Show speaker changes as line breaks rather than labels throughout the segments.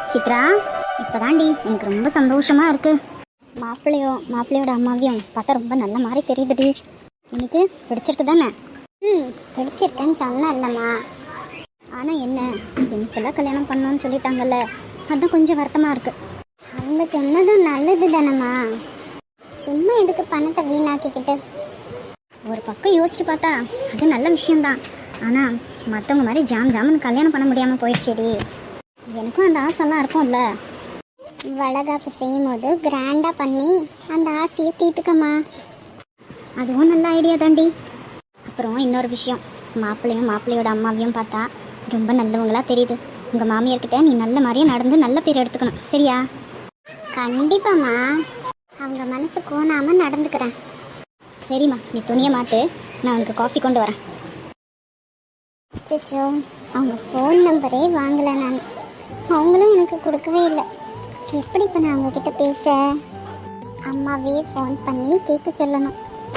சித்ரா, இப்போதாண்டி எனக்கு ரொம்ப சந்தோஷமா இருக்கு. மாப்பிள்ளையோட அம்மாவையும் பார்த்தா ரொம்ப நல்ல மாதிரி தெரியுதுடி. எனக்கு பிடிச்சிருக்கு தானே? பிடிச்சிருக்கேன்னு சொன்னா இல்லைம்மா. ஆனால் என்ன, சிம்பிளாக கல்யாணம் பண்ணோன்னு சொல்லிட்டாங்கல்ல, அதுதான் கொஞ்சம் வருத்தமாக இருக்கு. அவங்க சொன்னதும் நல்லது தானம்மா, சும்மா எதுக்கு பணத்தை வீணாக்கிக்கிட்டு. ஒரு பக்கம் யோசிச்சு பார்த்தா அது நல்ல விஷயம்தான். ஆனால் மற்றவங்க மாதிரி ஜாமுன்னு கல்யாணம் பண்ண முடியாமல் போயிடுச்சேடி. எனக்கும் அந்த ஆசைலாம் இருக்கும்ல. வளகாப்பு செய்யும் போது கிராண்டாக பண்ணி அந்த ஆசையை தீர்த்துக்கம்மா. அதுவும் நல்ல ஐடியா தாண்டி. அப்புறம் இன்னொரு விஷயம், மாப்பிள்ளையோட அம்மாவையும் பார்த்தா ரொம்ப நல்லவங்களா தெரியுது. உங்கள் மாமியார்கிட்ட நீ நல்ல மாதிரியே நடந்து நல்ல பேர் எடுத்துக்கணும், சரியா? கண்டிப்பாம்மா, அவங்க மனசு கோணாமல் நடந்துக்கிறேன். சரிம்மா, நீ துணியை மாற்று, நான் உனக்கு காஃபி கொண்டு வரேன். சிச்சோ, அவங்க ஃபோன் நம்பரே வாங்கலை நான். அவங்களும் எனக்கு கொடுக்கவே இல்லை. எப்படி இப்போ நான் அவங்கக்கிட்ட பேச? அம்மாவே ஃபோன் பண்ணி கேட்க சொல்லணும்.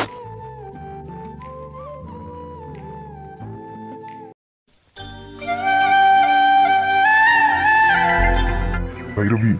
பைரவி,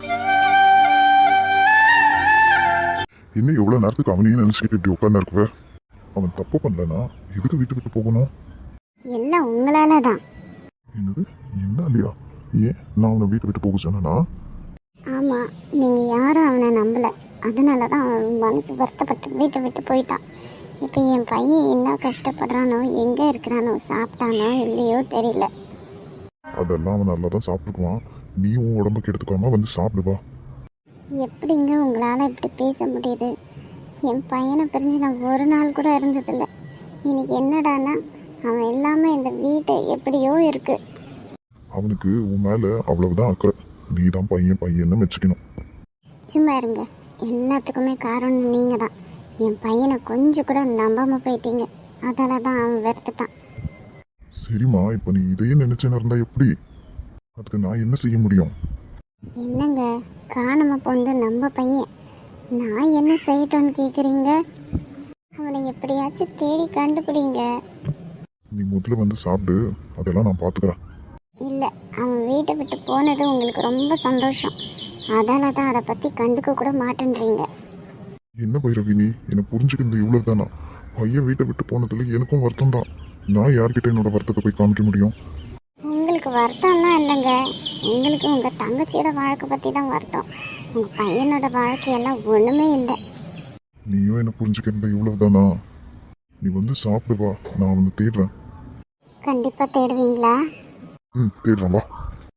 இன்னும் எவ்வளவு நேரத்துக்கு அவனையும் நினைச்சுக்கிட்டு இப்படி உட்கார்ந்து இருக்குவ? அவன் தப்பு பண்ணலனா எதுக்கு வீட்டு விட்டு போகணும்?
எல்லாம் உங்களால தான்.
என்னது, என்ன இல்லையா? ஏன் நான் அவனை வீட்டை விட்டு போக சொன்னா?
ஆமாம், நீங்கள் யாரும் அவனை நம்பலை, அதனால தான் அவன் மனசு வருத்தப்பட்டு வீட்டை விட்டு போயிட்டான். இப்போ என் பையன் என்ன கஷ்டப்படுறானோ, எங்கே இருக்கிறானோ, சாப்பிட்டானோ இல்லையோ தெரியல.
அதெல்லாம் அவன் நல்லா தான் சாப்பிட்டுக்குவான். நீயும் உடம்புக்கு எடுத்துக்காம வந்து சாப்பிடுவா.
எப்படிங்க உங்களால் இப்படி பேச முடியுது? என் பையனை பிரிஞ்சு நான் ஒரு நாள் கூட இருந்ததில்லை. இன்னைக்கு என்னடானா அவன் எல்லாமே இந்த வீட்டை எப்படியோ இருக்கு.
அவனுக்கு உன் மேல அவ்வளவுதான் அக்கறை. நீ தான் பையன்னு வச்சுக்கணும்.
சும்மா இருங்க, எல்லாத்துக்குமே காரணம் நீங்கள் தான். என் பையனை கொஞ்சம் கூட நம்பாமல் போயிட்டீங்க, அதால தான் அவன் வெறுத்துட்டான்.
சரிம்மா, இப்போ நீ இதையே நினைச்சேன்னு இருந்தா எப்படி? அதுக்கு நான் என்ன செய்ய முடியும்?
என்னங்க, காணாமல் போந்து நம்ம பையன், நான் என்ன செய்யட்டோன்னு கேட்குறீங்க? அவனை எப்படியாச்சும் தேடி கண்டுபிடிங்க.
நீ முதல்ல வந்து சாப்பிடு, அதெல்லாம் நான் பார்த்துக்கிறேன்.
இல்லை, அவன் வீட்டை விட்டு போனது உங்களுக்கு ரொம்ப சந்தோஷம், அதால தான் அதை பற்றி கண்டுக்க கூட மாட்டேன்றீங்க.
என்ன பைரவி, நீ என்னை புரிஞ்சுக்கிறது இவ்வளவு தானா? பையன் வீட்டை விட்டு போனதுல எனக்கும் வருத்தம் தான். நான் யார்கிட்ட என்னோட வருத்தத்தை போய் காமிக்க முடியும்?
உங்களுக்கு வருத்தம்லாம் இல்லைங்க, உங்களுக்கு உங்கள் தங்கச்சியோட வாழ்க்கை பற்றி தான் வருத்தம். உங்கள் பையனோட வாழ்க்கையெல்லாம் ஒன்றுமே இல்லை.
நீயும் என்ன புரிஞ்சுக்கிறது இவ்வளவு தானா? நீ வந்து சாப்பிடுவா, நான் வந்து தேடுறேன்.
கண்டிப்பாக தேடுவீங்களா?
தேடுறேன், வா.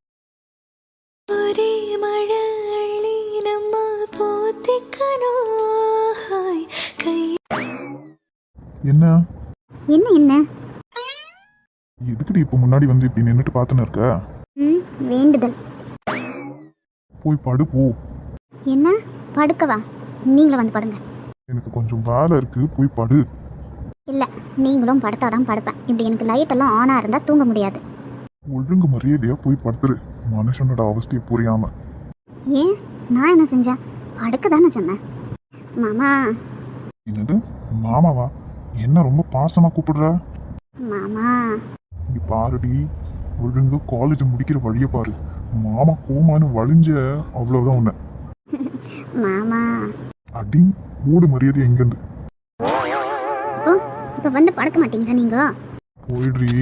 என்ன
என்ன என்ன
எதுக்குடி இப்போ முன்னாடி வந்து இப்படி நின்றுட்டு பார்த்துன்னு இருக்க?
வேண்டுதல்.
போய் படு போ.
என்ன படுக்கவா? நீங்களும் வந்து படுங்க.
எனக்கு கொஞ்சம் வேலை இருக்கு, போய் படு.
இல்லை, நீங்களும் படுத்தாதான் படுப்பேன். இப்படி எனக்கு லைட் எல்லாம் ஆனாக இருந்தால் தூங்க முடியாது.
ஒழுங்கு மரியாதையா போய் படுத்துரு, மனுஷனோட அவஸ்தையை புரியாம.
ஏன், நான் என்ன செஞ்சேன்? படுக்க தானே சொன்னேன். மாமா.
என்னது மாமாவா? என்ன ரொம்ப பாசமா கூப்பிடுற?
மாமா.
இங்க பாருடி, ஒழுங்கு காலேஜ் முடிக்கிற வழிய பாரு. மாமா கோமான்னு வழிஞ்ச அவ்வளவுதான் உன்ன.
மாமா.
அடி மூடு மரியாதை எங்கிருந்து.
இப்போ வந்து படுக்க மாட்டீங்களா நீங்க?
போயிடுறி.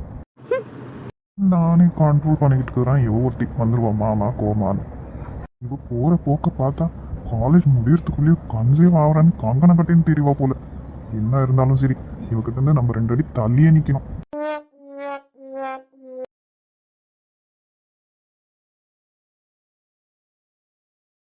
நானே கண்ட்ரோல் பண்ணிக்கிட்டு இருக்கிறேன், ஒருத்தி வந்துருவா மாமா கோமான்னு. இப்போ போற போக்க பார்த்தா காலேஜ் முடியறதுக்குள்ளேயே கன்சேவ் ஆகிறான்னு கங்கணம் கட்டின்னு தெரியவா போல. என்ன இருந்தாலும் சரி, இவகிட்ட இருந்து நம்ம 2 அடி தள்ளியே நிக்கணும்.